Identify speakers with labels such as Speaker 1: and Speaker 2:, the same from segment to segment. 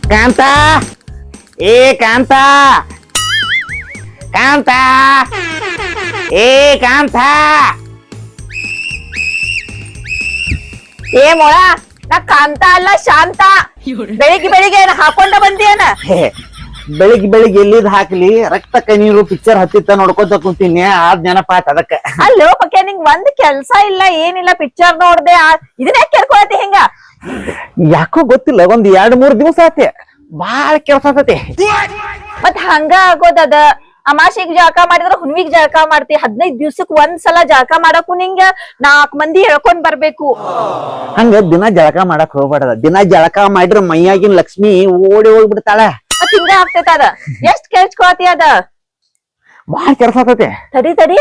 Speaker 1: ಕಾಂತ ಏ ಕಾಂತ ಕಾಂತ ಏ ಕಾಂತ
Speaker 2: ಏ ಮೊಳ ನಾ ಕಾಂತ ಅಲ್ಲ ಶಾಂತ. ಬೆಳಿಗ್ಗೆ ಬೆಳಿಗ್ಗೆ ಏನ್ ಹಾಕೊಂಡ ಬಂದಿಯೇನ?
Speaker 1: ಬೆಳಿಗ್ಗೆ ಬೆಳಿಗ್ಗೆ ಎಲ್ಲಿದ್ ಹಾಕ್ಲಿ ರಕ್ತ ಕಣ್ಣೀರು ಪಿಕ್ಚರ್ ಹತ್ತಿತ್ತ ನೋಡ್ಕೊತ ಕುಂತೀನಿ ಆದ್ ನೆನಪಾತ್ ಅದಕ್ಕ.
Speaker 2: ಅಲ್ಲೋ ಪಕ್ಕೆ ನಿಂಗ್ ಒಂದ್ ಕೆಲ್ಸ ಇಲ್ಲ ಏನಿಲ್ಲ, ಪಿಕ್ಚರ್ ನೋಡ್ದೆ ಇದನ್ನ ಯಾಕೆ ಕೇಳ್ಕೊಳತಿ ಹಿಂಗ?
Speaker 1: ಯಾಕೋ ಗೊತ್ತಿಲ್ಲ, ಒಂದ್ 2-3 ದಿವಸ ಆತೆ ಬಾಳ ಕೆಲಸ ಆತತಿ.
Speaker 2: ಮತ್ ಹಂಗ ಆಗೋದದ. ಅಮಾಶಿಗ್ ಜಳಕ ಮಾಡಿದ್ರ ಹುಣ್ವಿಗ್ ಜಳಕ ಮಾಡ್ತಿ. 15 ದಿವ್ಸಕ್ ಒಂದ್ಸಲ ಜಳಕ ಮಾಡಕು ನಿಂಗ 4 ಮಂದಿ ಹೇಳ್ಕೊಂಡ್ ಬರ್ಬೇಕು.
Speaker 1: ಹಂಗ ದಿನ ಜಳಕ ಮಾಡಕ್ ಹೋಗ್ಬಾರ್ದ. ದಿನ ಜಳಕ ಮಾಡಿದ್ರ ಮೈಯಾಗಿನ ಲಕ್ಷ್ಮಿ ಓಡಿ ಹೋಗ್ಬಿಡ್ತಾಳ.
Speaker 2: ಮತ್ ಹಿಂಗ ಆಗ್ತೈತ ಅದ. ಎಷ್ಟ್ ಕೇಳ್ಕೊಳತಿ ಅದ?
Speaker 1: ಬಾಳ ಕೆಲಸ ಆತತಿ.
Speaker 2: ತಡಿ ತಡಿ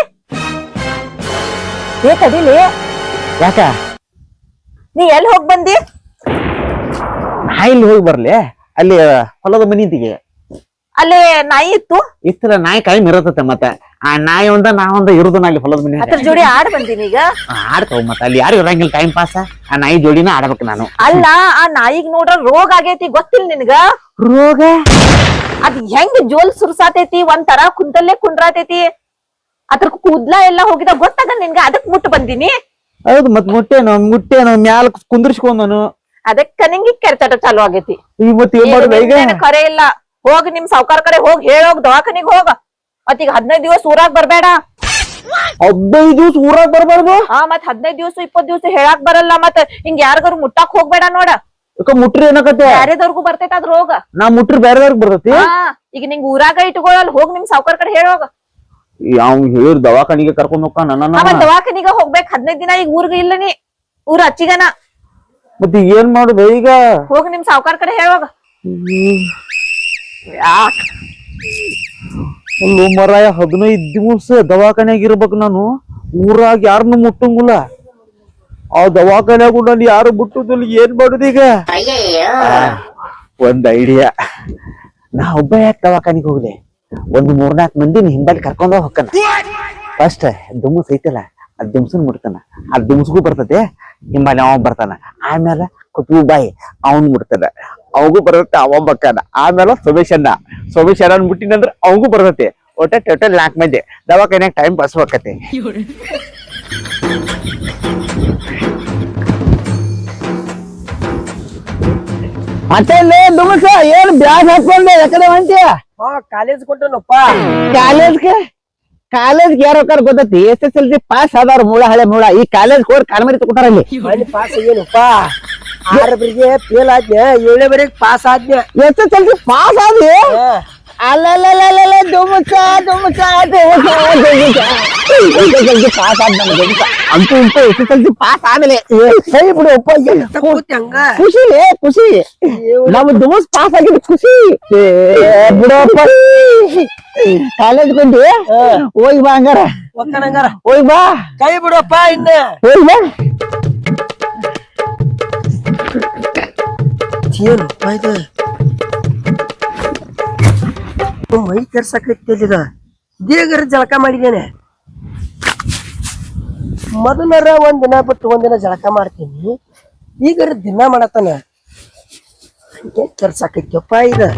Speaker 2: ಏ ತಡಿಲಿ,
Speaker 1: ಯಾಕ
Speaker 2: ನೀ ಎಲ್ಲಿ ಹೋಗ್ ಬಂದಿ?
Speaker 1: ನಾ ಇಲ್ಲಿ ಹೋಗಿ ಬರ್ಲಿ? ಅಲ್ಲಿ ಹೊಲದ ಮನಿದಿಗೆ
Speaker 2: ಅಲ್ಲಿ ನಾಯಿ ಇತ್ತು.
Speaker 1: ಇಷ್ಟರ ನಾಯಿ ಕಾಯಿ ಮಿರತತೆ. ಮತ್ತೆ ಆ ನಾಯಿ ಒಂದ ನಾ ಒಂದ ಇರುದು ಅಲ್ಲಿ ಹೊಲದ ಮನಿ
Speaker 2: ಅದ್ರ ಜೋಡಿ ಆಡ್ ಬಂದಿನಿ ಈಗ.
Speaker 1: ಆಡ್ತಾವ. ಮತ್ತ ಅಲ್ಲಿ ಯಾರು ಇರಂಗಿಲ್ಲ, ಟೈಮ್ ಪಾಸ್. ಆ ನಾಯಿ ಜೋಡಿನ ಆಡ್ಬೇಕು ನಾನು.
Speaker 2: ಅಲ್ಲ, ಆ ನಾಯಿಗ್ ನೋಡ್ರ ರೋಗ ಆಗೈತಿ, ಗೊತ್ತಿಲ್ಲ ನಿನ್ಗ?
Speaker 1: ರೋಗ?
Speaker 2: ಅದ್ ಹೆಂಗ್ ಜೋಲ್ ಸುರ್ಸಾತೈತಿ, ಒಂದ್ ತರ ಕುಂತಲ್ಲೇ ಕುಂಡ್ರಾತೈತಿ. ಅದ್ರ ಕೂದ್ಲ ಎಲ್ಲಾ ಹೋಗಿದ ಗೊತ್ತಾಗ ನಿನ್ಗ, ಅದಕ್ ಮುಟ್ಟು ಬಂದಿನಿ.
Speaker 1: ಹೌದು, ಮತ್ ಮುಟ್ಟೇನು ಮ್ಯಾಲ ಕುಂದ್ರಿಸ್ಕೊಂಡನು.
Speaker 2: ಅದಕ್ಕ ನಿಂಗೆ ಕೆರ್ಚಾಟ ಚಾಲು ಆಗೈತಿ.
Speaker 1: ಇವತ್ತು ಏನ್ ಮಾಡುದ ಈಗ?
Speaker 2: ಕರೆ ಇಲ್ಲ, ಹೋಗ್ ನಿಮ್ ಸಾವ್ಕಾರ ಕಡೆ ಹೋಗ್ ಹೇಳೋಗ್ ದವಾಖಾನಿಗ್ ಹೋಗ. ಮತ್ ಈಗ 15 ದಿವಸ ಊರಾಗ್ ಬರ್ಬೇಡ.
Speaker 1: 15 ದಿವಸ ಊರಾಗ್ ಬರ್ಬಾರ್ದು?
Speaker 2: ಮತ್ 15 ದಿವಸ 20 ದಿವಸ ಹೇಳಾಕ್ ಬರಲ್ಲ. ಮತ್ ಹಿಂಗ್ ಯಾರಿಗಾರು ಮುಟ್ಟಾಕ್ ಹೋಗ್ಬೇಡ ನೋಡ.
Speaker 1: ಮುಟ್ರಿ ಏನಕತ್ತೆ?
Speaker 2: ಬ್ಯಾರೆದವ್ರಿಗೂ ಬರ್ತೈತ ಅದ್ ರೋಗ.
Speaker 1: ನಾ ಮುಟ್ರಿ ಬೇರೆದವ್ರಿಗೆ ಬರ್ತೈತಿ.
Speaker 2: ಈಗ ನಿಂಗ್ ಊರಾಗ ಇಟ್ಕೊಳ್ಳಲ್ಲ, ಹೋಗ್ ನಿಮ್ ಸಾವ್ಕಾರ ಕಡೆ ಹೇಳೋಗ.
Speaker 1: ಅವ್ ಹೇಳಿರ್ ದವಾಖಾನಿಗೆ ಕರ್ಕೊಂಡ್ ಹೋಗ್ಕ ನನ್ನ.
Speaker 2: ದವಾಖಾನಿಗ ಹೋಗ್ಬೇಕ್ 15 ದಿನ. ಈಗ ಊರ್ಗ ಇಲ್ಲ ನೀ, ಊರ್ ಹಚ್ಚಿಗನ.
Speaker 1: ಮತ್ತೆ ಏನ್ ಮಾಡುದ ಈಗ?
Speaker 2: ಹೋಗ್ ನಿಮ್ ಸಾವ್ಕಾರ ಕಡೆ ಹೇಳೋಗ.
Speaker 1: ಅಲ್ಲೋ ಮರಾಯ, 15 ದಿವಸ ದವಾಖಾನ್ಯಾಗ ಇರ್ಬೇಕು ನಾನು. ಊರಾಗ ಯಾರನ್ನು ಮುಟ್ಟಂಗಿಲ್ಲ. ಆ ದವಾಖಾನ್ಯಾಗ ನಾನು ಯಾರು ಮುಟ್ಟುದಿಲ್ಲ. ಏನ್ ಮಾಡುದೀಗ? ಒಂದ್ ಐಡಿಯಾ. ನಾ ಒಬ್ಬ ಯಾಕೆ ದವಾಖಾನಿಗೆ ಹೋಗ್ಲಿ? ಒಂದು 3-4 ಮಂದಿನ ಹಿಂಬಲ್ಲಿ ಕರ್ಕೊಂಡ ಹೋಗ್ಕನ. ಫಸ್ಟ್ ದುಮ್ಸ್ ಐತಲ್ಲ, ಅದ್ ದುಮ್ಸನ್ ಮುಡ್ತಾನ. ಅದ್ ದುಮ್ಸ್ಗೂ ಬರ್ತದೆ, ಹಿಂಬಲ್ಲಿ ಅವ ಬರ್ತಾನ. ಆಮೇಲೆ ಕುತ್ಬು ಬಾಯಿ ಅವನ್ ಮುಡ್ತಾನ, ಅವಗೂ ಬರ್ತತೆ, ಅವ ಬಕ್ಕಾನ. ಆಮೇಲೆ ಸೊಮೇಶಣ್ಣ ಮುಟ್ಟಿನಂದ್ರ ಅವಗೂ ಬರ್ತತೆ. ಒಟ್ಟೆ ಟೋಟಲ್ 4 ಮಂದಿ ದವಾಖಾನ್ಯಾಗ ಟೈಮ್ ಪಾಸ್ ಹೋಗತ್ತೆ. ಮತ್ತೆ ದುಮ್ಸ ಏನ್ ಬ್ಯಾಗ್ ಹಾಕೊಂಡೆ ಯಾಕಡೆ ಹೊಂಟಿಯ?
Speaker 3: ಕಾಲೇಜ್ ಕೊಟ್ಟನಪ್ಪ.
Speaker 1: ಕಾಲೇಜ್ಗೆ ಯಾರೋ ಗೊತ್ತೈತಿ? SSLC ಪಾಸ್ ಆದವ್ರ ಮೂಳ ಹಳೆ ಮೂಳ. ಈ ಕಾಲೇಜ್ ಹೋಗಿ ಕಾಲ್ಮರಿ ತಗೋತಾರ ಅಲ್ಲಿ.
Speaker 3: ಪಾಸ್ ಏನಪ್ಪ? 6 ಫೇಲ್ ಆದ್ನೆ, 7ನೇ ಬರೀ ಪಾಸ್ ಆದ್ನೆ.
Speaker 1: SSLC ಪಾಸ್ ಆದ್ವಿ? ಅಲ್ಲಲ್ಲ ದುಮ್ಸ ಪಾಸ್ ಆದ್ ನಮ್ಗೆ. ಅಂತೂ ಇಂತೂ SSLC ಪಾಸ್ ಆಮೇಲೆ ಸರಿ ಬಿಡು ಅಪ್ಪ. ಖುಷಿ ನಮ್ ದುಮಸ್ ಪಾಸ್ ಆಗಿದ್ ಖುಷಿ ಬಿಡಪ್ಪ. ಕಾಲೇಜ್ ಬಂದಿ ಹೋಗಿ ಬಾ ಹಂಗಾರ. ಹೋಗಿ ಬಾ,
Speaker 3: ಕೈ ಬಿಡಪ್ಪ. ಇನ್ನ
Speaker 1: ಹೋಗಿ ಬಾ.
Speaker 3: ಏನಪ್ಪ ಇದು? ಮೈ ಕೆರ್ಸಕೈತಿದ. ದೇಗರ ಜಳಕ ಮಾಡಿದ್ದೇನೆ. ಮೊದಲರ ಒಂದಿನ ಬಿಟ್ಟು ಒಂದಿನ ಜಳಕ ಮಾಡ್ತೀನಿ. ಈಗರ ದಿನ ಮಾಡತಾನ. ಕೆರ್ಸಕೈತಿಯಪ್ಪ ಇದು.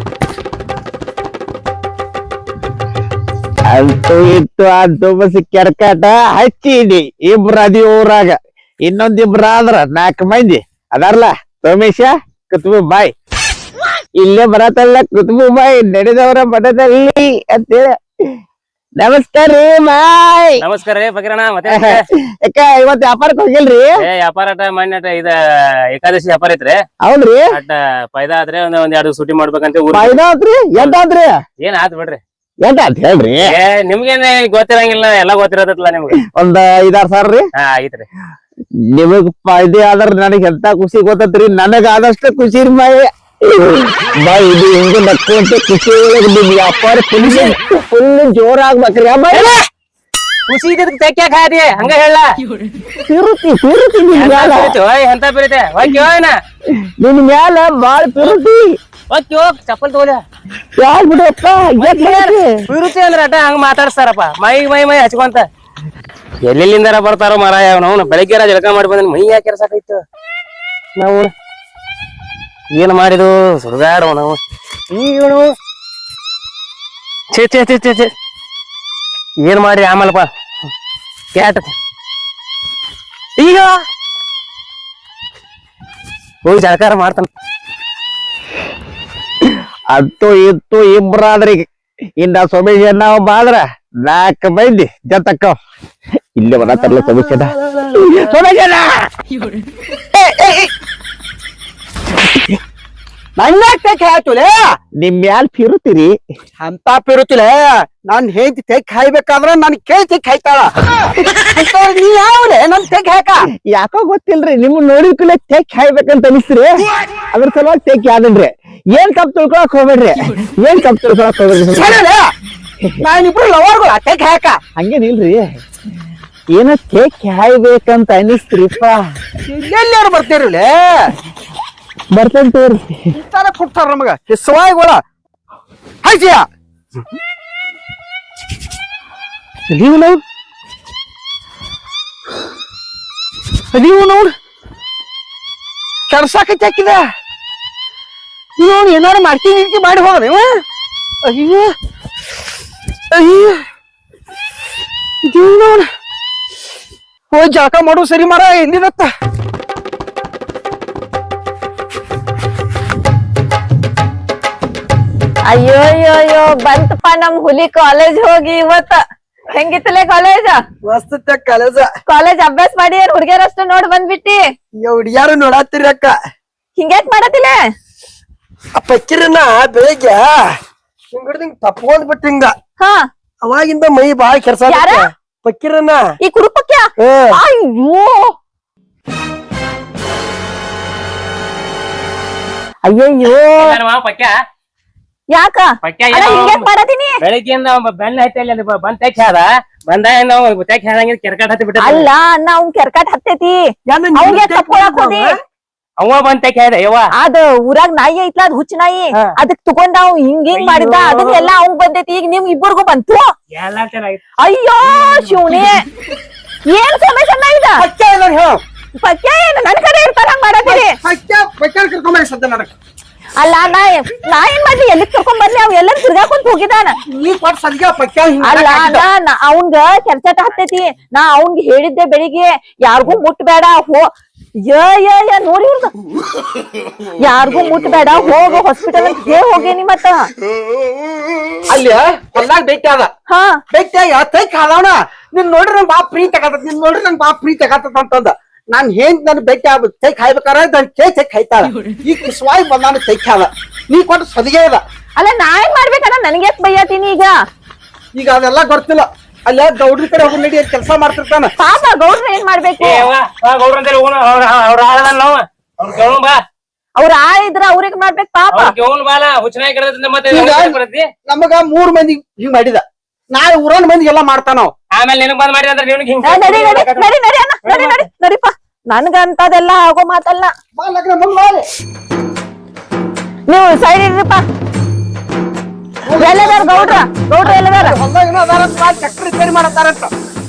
Speaker 1: ಅಂತೂ ಇತ್ತು ಆ ದುಮಸ್ ಕೆರ್ಕಾಟ ಹಚ್ಚಿದಿ. ಇಬ್ರು ಅದಿ ಊರಾಗ, ಇನ್ನೊಂದಿಬ್ರ ಆದ್ರ 4 ಮಂದಿ ಅದಾರಲ್ಲ. ಸೋಮೇಶ, ಕುತ್ಬು ಬಾಯ್ ಇಲ್ಲೇ ಬರತ್ತಲ್ಲ. ಕುತ್ಬು ಬಾಯ್ ನಡೆದವರ ಮಠದಲ್ಲಿ ಅಂತೇಳಿ. ನಮಸ್ಕಾರ ರೀ ಬಾಯ್.
Speaker 4: ನಮಸ್ಕಾರ ರೀ ಫಕೀರಣ್ಣ. ಮತ್ತೆ
Speaker 1: ಯಾಕ ಇವತ್ ವ್ಯಾಪಾರಕ್ಕೆ ಹೋಗಿಲ್ರಿ?
Speaker 4: ವ್ಯಾಪಾರ ಮಣ್ಣ ಇದ ಏಕಾದಶಿ ವ್ಯಾಪಾರ ಐತ್ರಿ.
Speaker 1: ಹೌದ್ರಿ?
Speaker 4: ಅಟ್ಟ ಪೈದಾ ಆದ್ರೆ ಒಂದ್ 2 ಸೂಟಿ ಮಾಡ್ಬೇಕಂತ.
Speaker 1: ಆತ್ರಿ? ಎಂಟಾತ್ರಿ?
Speaker 4: ಏನ್ ಆತ್ ಬಿಡ್ರಿ.
Speaker 1: ಎಂಟ ಅಂತ ಹೇಳ್ರಿ.
Speaker 4: ನಿಮ್ಗೇನ್ ಗೊತ್ತಿರಂಗಿಲ್ಲ, ಎಲ್ಲಾ ಗೊತ್ತಿರತ್ತಲ್ಲ ನಿಮ್ಗೆ.
Speaker 1: ಒಂದ್ 5-6 ಸಾವಿರ ರೀ?
Speaker 4: ಐತ್ರಿ.
Speaker 1: ನಿಮಗ್ ಫಾಯ್ದೆ ಆದ್ರ ನನಗ್ ಎಂತ ಖುಷಿ ಗೊತ್ತತ್ರಿ. ನನಗ ಆದಷ್ಟು ಖುಷಿ ರೀ ಬಾಯ್. ಬಾಯ್ ಇದು ಹಿಂಗ ನಕ್ಕಂತ ಖುಷಿ ಒಳಗೆ ನಿಮ್ ವ್ಯಾಪಾರ ಫುಲ್ ಜೋರ್ ಆಗ್ಬೇಕ್ರಿ.
Speaker 4: ಖುಷಿ ತೆಕ್ಯಾಕ ಹಾದಿ ಹಂಗ ಹೇಳ.
Speaker 1: ಪಿರುತಿ ನಿನ್ ಮ್ಯಾಲ
Speaker 4: ಎಂತ ಬೀರತೆ
Speaker 1: ನಿನ್ ಮ್ಯಾಲ ಬಾಳ ಪಿರುತಿ.
Speaker 4: ಹೋಗ್ ಚಪ್ಪಲ್ ತಗೋಲ.
Speaker 1: ಯಾರ್ ಬಿಡಪ್ಪ
Speaker 4: ವಿರುಚಿ ಅಂದ್ರ ಅಟ ಹಂಗ ಮಾತಾಡ್ಸ್ತಾರಪ್ಪ. ಮೈ ಹಚ್ಕೊಂತ ಎಲ್ಲೆಲ್ಲಿಂದಾರ ಬರ್ತಾರೋ ಮಾರಾಯ. ನಾವು ಬೆಳಗ್ಗೆ ಜಳಕ ಮಾಡಿ ಬಂದ ಮೈ ಯಾಕೆ ಕೆರ್ಸಾಕೈತು ನಾವು. ಏನ್ ಮಾಡಿದು ಸುಡುಗಾಡವ ನಾವು ಈಗನು ಛೇ ಛೇ ಛೇ ಛೇ ಛೇ ಏನ್ ಮಾಡಿ ಆಮೇಲಪ್ಪ ಕ್ಯಾಟ್ ಈಗ ಹೋಗಿ ಜಳಕಾರ ಮಾಡ್ತಾನ
Speaker 1: ಅಂತೂ ಇತ್ತು ಇಬ್ರಾದ್ರಿ ಇನ್ನ ಸೊಮೇಶ ನಾವು ಬಾದ್ರ 4 ಮಂದಿ ಜತಕ್ಕ ಇಲ್ಲೇ ಬರತ್ತಲ್ಲ ಸೊಮೇಶನ
Speaker 3: ನನ್ನ ತೆಕ್ ಹಾಯ್ತುಲೆ
Speaker 1: ನಿಮ್ ಮ್ಯಾಲ್ ಫಿರುತ್ತೀರಿ
Speaker 3: ಅಂತ ಪಿರುತ್ತಿಲ್ಲ ನಾನ್ ಹೆಂಡತಿ ತೆಕ್ ಹಾಯ್ಬೇಕಾದ್ರ ನನ್ ಕೇಳಿ ತೆಕ್ ಹಾಯ್ತಾಳ ನೀ ಯಾವ್ಲೆ ನನ್ ತೆಕ್ ಹಾಕ
Speaker 1: ಯಾಕೋ ಗೊತ್ತಿಲ್ರಿ ನಿಮ್ ನೋಡಿದ್ಕೂಲೆ ತೆಕ್ ಹಾಯ್ಬೇಕಂತ ಅನಿಸ್ರಿ ಅದ್ರ ಸಲುವಾಗಿ ತೆಕ್ ಯಾವ್ದನ್ರಿ ಏನ್ ತಪ್ಪು ತಿಳ್ಕೊಳಕ್ ಹೋಗ್ಬೇಡ್ರಿ
Speaker 3: ನಾನಿಬ್ರು ಲವರ್ಗಳು ತೆಕ್ ಹಾಕ
Speaker 1: ಹಂಗೇನಿಲ್ರಿ ಏನ ತೆಕ್ ಹಾಯ್ಬೇಕಂತ ಅನಿಸ್ತ್ರಿಪ್ಪ
Speaker 3: ಎಲ್ಲಾರು ಬರ್ತೀರಲ್ಲ
Speaker 1: ಬರ್ತೇನ್ ತೋರಿ
Speaker 3: ತರ ಕೊಡ್ತಾರ ನಮಗ ಹೆಸವಾಯಿಗಳ ಹಾಯ್ಸಿಯ ನೀವು ನೋಡ್ ಕೆಡ್ಸಾಕೈತಿ ಹಾಕಿದ ನೀವು ಏನಾರು ಮಾಡ್ತೀನಿ ಮಾಡಿ ಹೋಗ ನೀವು ಅಯ್ಯೋ ಅಯ್ಯೋ ನೋಡ ಹೋಗಿ ಜಳಕ ಮಾಡು ಸರಿ ಮಾರ ಎಲ್ಲಿದತ್ತ
Speaker 2: ಅಯ್ಯೋ ಅಯ್ಯೋ ಅಯ್ಯೋ ಬಂತಪ್ಪ ನಮ್ ಹುಲಿ ಕಾಲೇಜ್ ಹೋಗಿ ಇವತ್ತ ಹೆಂಗಿತ್ತಲೆ ಕಾಲೇಜ್
Speaker 3: ಮಸ್ತ್ ಕಾಲೇಜ
Speaker 2: ಕಾಲೇಜ್ ಅಭ್ಯಾಸ ಮಾಡಿ ಏನ್ ಹುಡ್ಗ್ಯಾರಷ್ಟು ನೋಡ್ ಬಂದ್ಬಿಟ್ಟಿ
Speaker 3: ಹುಡುಗ್ಯಾರು ನೋಡಾತಿರಿ ಅಕ್ಕ
Speaker 2: ಹಿಂಗ್ಯಾಕ್ ಮಾಡತಿಲೆ
Speaker 3: ಆ ಪಕ್ಕಿರನ್ನ ಬೆಳಿಗ್ಗೆ ಹಿಂಗ್ ತಪ್ಕೊಂಡ್ ಬಿಟ್ಟು ಹಿಂಗ
Speaker 2: ಹಾ
Speaker 3: ಅವಾಗಿಂದ ಮೈ ಬಾಳ ಕೆಲ್ಸ
Speaker 2: ಯಾರ?
Speaker 3: ಪಕ್ಕಿರನ್ನ
Speaker 2: ಈ ಕುರುಪಕ್ಯ ಅಯ್ಯೋ ಅಯ್ಯಯ್ಯೋ
Speaker 4: ಪಕ್ಯ
Speaker 2: ಯಾಕ
Speaker 4: ಪಕ್ಯ
Speaker 2: ಅಲ್ಲ ಹಿಂಗ್ಯಾಕ್ ಮಾಡತೀನಿ
Speaker 4: ಬೆಳಿಗ್ಗೆಯಿಂದ ಬೆನ್ನ ಹತ್ತಿ ಬಂದ್ ತೆಕ್ ಹಾದ ಬಂದಾಗ ನಾವು ತೆಕ್ ಹಾದಂಗ ಕೆರ್ಕಾಟ್ ಹತ್ತಿ ಬಿಟ್ಟ
Speaker 2: ಅಲ್ಲ ಅಣ್ಣ ಅವ್ನ್ ಕೆರ್ಕಾಟ್ ಹತ್ತೈತಿ ಅವ್ಗೆ ತಪ್ಕೊಳಕ್ ಹೋದಿ
Speaker 4: ಅವ ಬಂದ್ ತೆಕ್ ಹಾದ ಯವ್ವ
Speaker 2: ಅದ ಊರಾಗ ನಾಯಿ ಐತ್ಲ ಅದ್ ಹುಚ್ಚ ನಾಯಿ ಅದಕ್ ತಗೊಂಡ ಅವ್ ಹಿಂಗ್ ಮಾಡಿದ ಅದನ್ನ ಎಲ್ಲಾ ಅವ್ನ್ ಬಂದೈತಿ ಈಗ ನಿಮ್ ಇಬ್ಬರಿಗೂ ಬಂತು
Speaker 4: ಎಲ್ಲಾ ಚೆನ್ನಾಗಿತ್ತು
Speaker 2: ಅಯ್ಯೋ ಶಿವನೇ ಏನ್ ಸಮಸ್ಯೆ ಇದ
Speaker 3: ಪಕ್ಯ ಏನಾರ ಹೇಳ
Speaker 2: ಪಕ್ಯ ಏನು ನನ್ ಕಡೆ ಇರ್ತಾರ ಹಂಗ್ ಮಾಡತ್ತೀರಿ
Speaker 3: ಪಕ್ಯ ಕರ್ಕೊಂಬ ಸದ್ಯ ನನಗ
Speaker 2: ಅಲ್ಲ ನಾ ಏನ್ ಮಾಡ್ಲಿ ಎಲ್ಲಿ ಕರ್ಕೊಂಡ್ ಬರ್ಲಿ ಅವ್ ಎಲ್ಲ ತಿರ್ಗಾಕೊಂಡ್ ಹೋಗಿದಾನ
Speaker 3: ನೀ ಕೊಟ್ ಸದ್ಯ ಪಕ್ಯ
Speaker 2: ಅಲ್ಲ ಅವಂಗ ಕೆಲ್ಸಟ ಹತ್ತೈತಿ ನಾ ಅವ್ನ್ಗ್ ಹೇಳಿದ್ದೆ ಬೆಳಿಗ್ಗೆ ಯಾರಿಗೂ ಮುಟ್ಬೇಡ ನೋಡಿ ಇವ್ರದ ಯಾರಿಗೂ ಮುಟ್ಬೇಡ ಹೋಗ ಹಾಸ್ಪಿಟಲ್ ಅಂತ ಹೋಗೇನಿ ಮತ್ತ
Speaker 3: ಅಲ್ಲಿ ಹೊಲ್ದಾಗ ಭೇಟಿ ಅದ
Speaker 2: ಹಾ
Speaker 3: ಭೇಟಿಯಾಗ ತೈಕ್ ಹಾದವನ ನಿನ್ ನೋಡ್ರಿ ನಂಗ್ ಬಾ ಪ್ರೀತಿ ಆಗತ್ತ ನಿನ್ ನೋಡ್ರಿ ನಂಗ್ ಬಾ ಪ್ರೀತಿ ಆಗತ್ತ ಅಂತಂದ ನಾನ್ ಹೆಂಗ್ ನನ್ ಭೇಟಿ ಆಗ್ಬೇಕು ತೈಕ್ ಹಾಯ್ಬೇಕಾರ ನನ್ ತೈಕ್ ಹಾಯ್ತಾಳ ಈ ಕಿಸ್ವಾಯಿ ಬಂದಾನ ತೈಕ್ ಹಾದ ನೀ ಕೊಟ್ಟು ಸದಿಗೆ ಅದ
Speaker 2: ಅಲ್ಲ ನಾ ಏನ್ ಮಾಡ್ಬೇಕಲ್ಲ ನನ್ಗೆ ಬೈಯತೀನಿ
Speaker 3: ಈಗ ಅದೆಲ್ಲ ಗೊತ್ತಿಲ್ಲ ಅಲ್ಲ ಗೌಡ್ರಿ ಕಡೆ ಹೋಗಿ ನಡಿ ಕೆಲಸ ಮಾಡ್ತಿರ್ತಾನ
Speaker 2: ಪಾಪ ಗೌಡ್ರ ಏನ್ ಮಾಡ್ಬೇಕು
Speaker 4: ಅವ್ರ ಆಳದ ನಾವು ಅವ್ರ ಕೇಳೋಣ ಬಾ
Speaker 2: ಅವ್ರ ಇದ್ರ ಅವ್ರಿಗೆ ಮಾಡ್ಬೇಕು ಪಾಪ
Speaker 4: ಕೇಳೋಣ ಬಾಲ ಹುಚ್ಚನಾಗಿ ಕರೆದ್ರಿಂದ ಮತ್ತೆ
Speaker 3: ನಮಗ 3 ಮಂದಿ ಹಿಂಗ್ ಮಾಡಿದ ನಾಳೆ ಊರನ್ ಮಂದಿ ಎಲ್ಲಾ ಮಾಡ್ತಾನಾವ್
Speaker 4: ಆಮೇಲೆ ನಿನಗ್ ಬಂದ್ ಮಾಡಿ ಅಂದ್ರೆ ನಿನಗ್ ಹಿಂಗ್
Speaker 2: ನಡಿ ನಡಿ ನಡಿ ನಡಿ ಅಣ್ಣ ನಡಿ ನಡಿ ನಡಿಪ್ಪ ನನ್ಗ ಅಂತದೆಲ್ಲ ಆಗೋ ಮಾತಲ್ಲ ನೀವು ಸೈಡ್ ಇರ್ರಿಪ್ಪ ಎಲ್ಲದಾರ ಗೌಡ್ರ ಗೌಡ್ರ ಎಲ್ಲದಾರ
Speaker 3: ಟ್ರ್ಯಾಕ್ಟರ್ ರಿಪೇರಿ ಮಾಡತ್ತಾರಂತ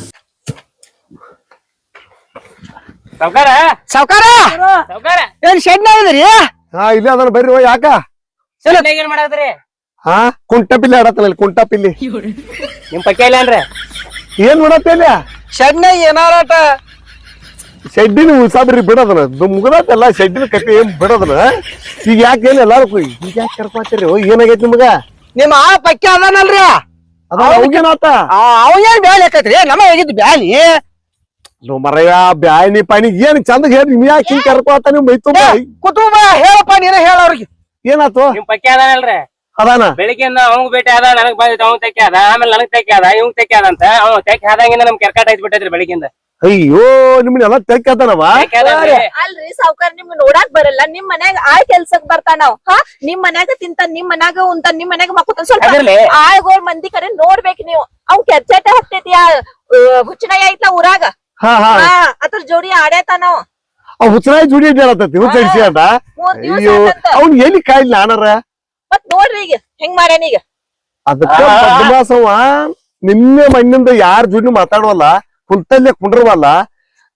Speaker 4: ಸಾವ್ಕಾರ
Speaker 3: ಸಾವ್ಕಾರ
Speaker 4: ಸಾವ್ಕಾರ
Speaker 3: ಏನ್ ಶೆಡ್ ಇದ್ರಿ
Speaker 5: ಹಾ ಇಲ್ಲೇ ಅದನ್ನ ಬರ್ರಿ ಯಾಕ
Speaker 4: ಏನ್ ಮಾಡಾಕ್ದ್ರಿ
Speaker 5: ಹಾ ಕುಂಟಪಿಲ್ಲಿ ಆಡತ್ತಲ್ಲ ಕುಂಟಪಿಲ್ಲಿ
Speaker 4: ನಿಮ್ ಪಕ್ಕ ಇಲ್ಲ ಅನ್ರಿ
Speaker 5: ಏನ್ ಮಾಡತ್ತಿಲ್ಲ
Speaker 3: ಶೆಡ್ ಏನಾರಾಟ
Speaker 5: ಶೆಡ್ಡಿನ ಉಳ್ಸಾದ್ರಿ ಬಿಡೋದನ ಮುಗದಲ್ಲ ಶೆಡ್ಡಿನ ಕಟ್ಟಿ ಏನ್ ಬಿಡೋದನ ಈಗ ಯಾಕೆ ಏನ್ ಎಲ್ಲಾರು ಈಗ ಯಾಕೆ ಕರ್ಕೊತೀರಿ ಏನಾಗೈತಿ ನಿಮಗ
Speaker 3: ನಿಮ್ಮ ಆ ಪಕ್ಕ ಅದಾನಲ್ರಿ
Speaker 5: ಅದ ಅವ್ಗೇನಾತ
Speaker 3: ಅವ ಏನ್ ಬ್ಯಾಲಿ ಹಾಕೈತ್ರಿ ನಮ್ಮ ಹೇಗಿದ್ದು ಬ್ಯಾಲಿ
Speaker 5: ಮರಯ್ಯ ಬ್ಯಾನಿ ಪಾನಿ ಏನ್ ಚಂದ ಹೇಳಿ ನಿಮ್ ಯಾಕೆ ಹಿಂಗ್ ಕರ್ಕೊತ ನಿಮ್ ಮೈತು
Speaker 3: ಕುಟುಂಬ ಹೇಳಪ್ಪ ನೀನ ಹೇಳ ಅವ್ರಿಗೆ
Speaker 5: ಏನಾತು
Speaker 4: ನಿಮ್ ಪಕ್ಕ ಅದಾನಲ್ರಿ
Speaker 5: ಅದಾನ
Speaker 4: ಬೆಳಿಗ್ಗೆಯಿಂದ ಅವಂಗ್ ಭೇಟಿ ಅದ ನನಗ್ ಬಂದಿತ್ತು ಅವ್ನ್ ತೆಕ್ಕೆ ಅದ ಆಮೇಲೆ ನನಗ್ ತೆಕ್ಕೆ ಅದ ಇವಂಗ್ ತೆಕ್ಕೆ ಅದ ಅಂತ ಅವ್ ತೆಕ್ಕೆ ಆದಂಗಿಂದ ನಮ್ ಕೆರ್ಕಾಟ್ ಆಯ್ತು ಬಿಟ್ಟೈತ್ರಿ ಬೆಳಿಗ್ಗೆಯಿಂದ
Speaker 5: ಅಯ್ಯೋ ನಿಮ್ನೆಲ್ಲ ತೆಕ್ಕತನವ
Speaker 2: ಅಲ್ರಿ ಸಾವ್ಕಾರ ನಿಮ್ ನೋಡಾಕ್ ಬರಲ್ಲ ನಿಮ್ ಮನ್ಯಾಗ ಆಳ್ ಕೆಲ್ಸಕ್ ಬರ್ತಾನಾವ್ ಹಾ ನಿಮ್ ಮನ್ಯಾಗ ತಿಂತಾನ ನಿಮ್ ಮನ್ಯಾಗ ಉಂತಾನ ನಿಮ್ ಮನ್ಯಾಗ ಮಕ್ಕೋತಾನ ಸ್ವಲ್ಪ
Speaker 4: ಅದ್ರಲ್ಲಿ
Speaker 2: ಆಳ್ಗೋಳ್ ಮಂದಿ ಕಡೆ ನೋಡ್ಬೇಕ್ ನೀವು ಅವ್ ಕೆರ್ಚಾಟ ಹತ್ತೈತಿ ಹುಚ್ಚನಾಯಿ ಐತ್ಲಾ ಊರಾಗ
Speaker 5: ಹಾ ಹಾ
Speaker 2: ಅದ್ರ ಜೋಡಿ ಆಡೇತಾನಾವ್
Speaker 5: ಅವ್ ಹುಚ್ಚನಾಯಿ ಜುಡಿ ಹೇಳತ್ತತಿ ಹುಚ್ಚಡಿಸಿ ಅಂತ
Speaker 2: 3 ದಿವಸ
Speaker 5: ಅಯ್ಯೋ ಅವ್ನ್ ಎಲ್ಲಿ ಕಾಯಿಲ್ಲ ನಾನರ
Speaker 2: ಮತ್ ನೋಡ್ರಿ ಈಗ ಹೆಂಗ್ ಮಾಡ್ಯಾನ ಈಗ
Speaker 5: ಅದಕ್ಕ ಬದಮಾಸವ ನಿನ್ನೆ ಮಣ್ಣಿಂದ ಯಾರ ಜೋಡಿ ಮಾತಾಡವಲ್ಲ ಕುಂತಲ್ಲೇ ಕುಂಡ್ರವಲ್ಲ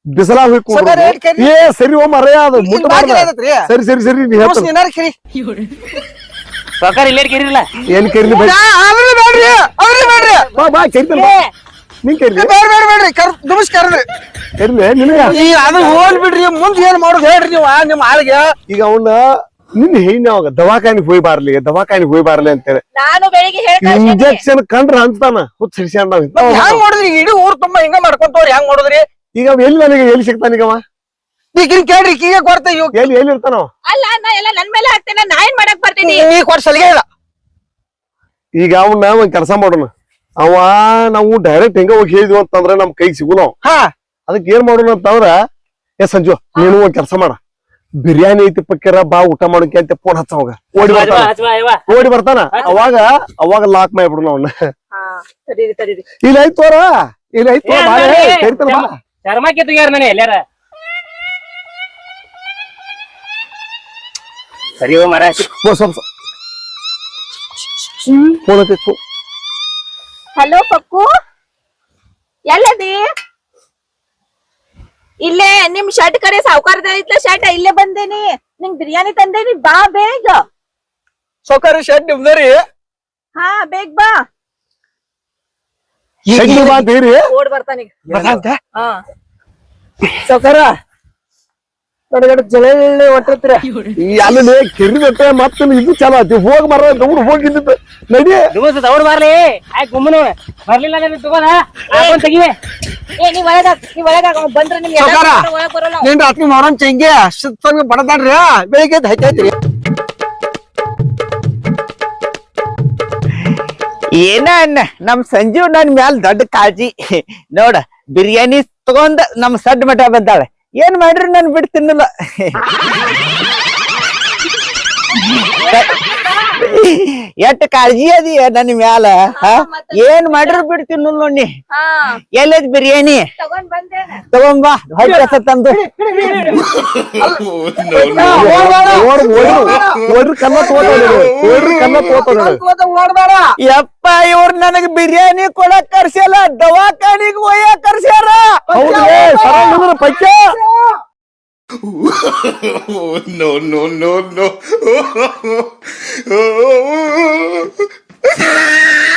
Speaker 5: ಬಿಸಲಾ ಹೋಗಿ
Speaker 3: ಸೌಕಾರ ಏಟ್ ಕರಿ?
Speaker 5: ಏ ಸರಿ ಓ ಮರ ಅದು
Speaker 3: ಇಲ್ಲಿ
Speaker 5: ಮುಟ್ಟಬಾರ್ದ.
Speaker 3: ಬಾಗಿಲು ಐತತ್ರಿ.
Speaker 5: ಸರಿ ಸರಿ ಸರಿ ನೀ ಹೇಳ್ತ
Speaker 3: ನಿನ್ನಾರ ಕರಿ.
Speaker 4: ಸಾವ್ಕಾರ ಇಲ್ಲೇ ಕೇರಿಲ್ಲ
Speaker 5: ಏನ್ ಕರಿಲಿ ಬೈ
Speaker 3: ಅವ್ರಿಗೆ ಬೇಡ್ರಿ ಅವ್ರಿಗೆ ಬೇಡ್ರಿ
Speaker 5: ಬಾ ಬಾ ಕರಿತಲ್ಲ ಬಾ ನಿನ್ ಕರಿಲಿ
Speaker 3: ಬೇಡ್ರಿ ನಮಸ್ಕಾರ
Speaker 5: ಕರಿಲಿ ನಿನಗ
Speaker 3: ಈ ಅದು ಹೋಲ್ ಬಿಡ್ರಿ ಮುಂದ್ ಏನ್ ಮಾಡೋದು ಹೇಳ್ರಿ ನೀವು ನಿಮ್ಮ ಆಳಿಗೆ.
Speaker 5: ಈಗ ಅವನ್ನ ನಿನ್ ಹೇಳಿ ಅವಾಗ ದವಾಖಾನಿಗೆ ಹೋಗಿ ಬಾರ್ಲಿ ಅಂತೇಳಿ
Speaker 2: ನಾನು ಬೆಳಿಗ್ಗೆ ಹೇಳ್ತಾ
Speaker 5: ಇಂಜೆಕ್ಷನ್ ಕಂಡ್ರ ಅಂತಾನ ಹುಚ್ಚ ಹಿಡ್ಸ್ಯಾನ
Speaker 3: ಮತ್ತ್ ಹೆಂಗ್ ಮಾಡುದ್ರಿ ಇಡೀ ಊರ್ ತುಂಬಾ ಹಿಂಗ ಮಾಡ್ಕೊಂತವ್ರಿ ಹೆಂಗ್ ಮಾಡುದ್ರಿ?
Speaker 5: ಈಗ ಅವ ಎಲ್ಲಿ ನನಗೆ ಎಲ್ಲಿ ಸಿಗ್ತಾನ ಈಗ ಅವ
Speaker 3: ಈಗ ಕೇಳ್ರಿ ಈಗ ಕೊಡ್ತ
Speaker 5: ಎಲ್ಲಿ ಇರ್ತಾನ
Speaker 2: ಅಲ್ಲ ನಾ ಎಲ್ಲ ನನ್ ಮೇಲೆ ಹಾಕ್ತೇನೆ ನಾ ಏನ್ ಮಾಡಕ್ ಬರ್ತೀನಿ
Speaker 3: ನೀ ಕೊಡ್ ಸಲಿಗೆ ಇಲ್ಲ.
Speaker 5: ಈಗ ಅವನ್ನ ಒಂದ್ ಕೆಲಸ ಮಾಡೋಣ ಅವ ನಾವು ಡೈರೆಕ್ಟ್ ಹೆಂಗ ಹೋಗಿ ಹೇಳಿದ್ವಿ ಅಂತಂದ್ರ ನಮ್ ಕೈಗೆ ಸಿಗುನ
Speaker 3: ಹಾ
Speaker 5: ಅದಕ್ಕೆ ಏನ್ ಮಾಡೋಣ ಅಂತಂದ್ರ ಏ ಸಂಜು ನೀನು ಒಂದ್ ಕೆಲಸ ಮಾಡ ಬಿರಿಯಾನಿ ಐತಿ ಪಕ್ಕಿರ ಬಾ ಊಟ ಮಾಡೋಕೆ ಅಂತ ಫೋನ್ ಹಚ್ಚವಾಗ ಓಡಿ ಬರ್ತಾನ ಅವಾಗ ಲಾಕ್ ಮಾಡ್ಬಿಡು ಅವನ್ನ
Speaker 2: ತಡೀರಿ
Speaker 5: ಇಲ್ಲ ಐತ್ ತೋರ ಇಲ್ಲ ಐತ್ ತೋರ ಕರಿತಾನ ಬಾ
Speaker 4: ಚರ್ಮಕ್ಕೆ ತೆಗ್ಯಾರ ನಾನು ಎಲ್ಲಾರ ಸರಿ ಓ ಮರ
Speaker 5: ಸ್ವಲ್ಪ ಫೋನ್ ಐತಿ
Speaker 2: ಹಲೋ ಪಕ್ಕು ಎಲ್ಲದಿ ಇಲ್ಲೇ ನಿಮ್ ಶರ್ಟ್ ಕಡೆ ಸಾವುಕಾರದ ಐತ್ಲ ಶರ್ಟ್ ಇಲ್ಲೇ ಬಂದೇನಿ ನಿಂಗ್ ಬಿರಿಯಾನಿ ತಂದೇನಿ ಬಾ ಬೇಗ
Speaker 3: ಸೌಕರ್ಯ ಶೆಡ್ ನಿಮ್ದರಿ
Speaker 2: ಹಾ ಬೇಗ ಬಾ
Speaker 5: ಬಾ ಬೇರಿ
Speaker 2: ಓಡ್ ಬರ್ತಾನೀಗ ಹಾ
Speaker 3: ಸೌಕರ್ಯ ನಡಗಡ ಜಳೆ ಹೊಟ್ಟಿರ್ತೀರ
Speaker 5: ಅಲ್ಲಿ ಕೆರಿದತ್ತೆ ಮತ್ತೆ ಇದು ಚಲೋ ಆತಿ ಹೋಗಿ ಬರ ದೌಡ್ ಹೋಗಿದ್ದ ನಡಿ
Speaker 4: ದುಬಸ್ ದೌಡ್ ಬರ್ಲಿ ಆಯ್ ಗುಮ್ಮನು ಬರ್ಲಿಲ್ಲ ನಾನು ತಗೋದ ಹಾಕೊಂಡ್ ತೆಗಿವೆ
Speaker 2: ಏ ನೀವ್ ಒಳಗಾಗ ಅವ್ ಬಂದ್ರ ನಿಮ್ಗೆ
Speaker 3: ಸೌಕಾರ.
Speaker 2: ಒಳಗ್ ಬರೋಲ್ಲ
Speaker 3: ನೀನ್ ರಾತ್ರಿ ಮಾಡೋನ್ ಚೆಂಗೆ ಸುತ್ತ ಬಡದಾಡ್ರಿ ಬೆಳಿಗ್ಗೆ ಹೈತೈತ್ರಿ
Speaker 1: ಏನ ಅನ್ನ ನಮ್ ಸಂಜೀವ್ ನನ್ ಮ್ಯಾಲ ದೊಡ್ಡ ಕಾಳಜಿ ನೋಡ ಬಿರಿಯಾನಿ ತಗೊಂಡ್ ನಮ್ ಸಡ್ ಮಠ ಬಂದಾಳೆ ಏನ್ ಮಾಡ್ರಿ ನನ್ ಬಿಟ್ಟು ತಿನ್ನಲ್ಲ ಎಷ್ಟ್ ಕಾಳಜಿ ಅದಿ ನನ್ ಮ್ಯಾಲ ಏನ್ ಮಾಡ್ರಿ ಬಿಟ್ಟು ತಿನ್ನಲ್ಲ ನೋಡಿ
Speaker 2: ಹಾ
Speaker 1: ಎಲ್ಲದ್ ಬಿರಿಯಾನಿ
Speaker 2: ತಗೊಂಡ್ ಬಂದೇನ
Speaker 1: ತಗೊಂಬಾ ಹೊಟ್ಟೆ ಹಸ ತಂದು
Speaker 5: ಓಡ್ರಿ ಕನ್ನ ತೋತ
Speaker 3: ಓಡ್ಬೇಡ
Speaker 1: ಯಪ್ಪ ಇವ್ರ ನನಗ್ ಬಿರಿಯಾನಿ ಕೊಡಕ್ ಕರ್ಸ್ಯಾಲ ದವಾಖಾನಿಗ್ ಒಯ್ಯಾಕ್ ಕರ್ಸ್ಯಾರ
Speaker 5: ಹೌದು ಪೈಕ
Speaker 6: no.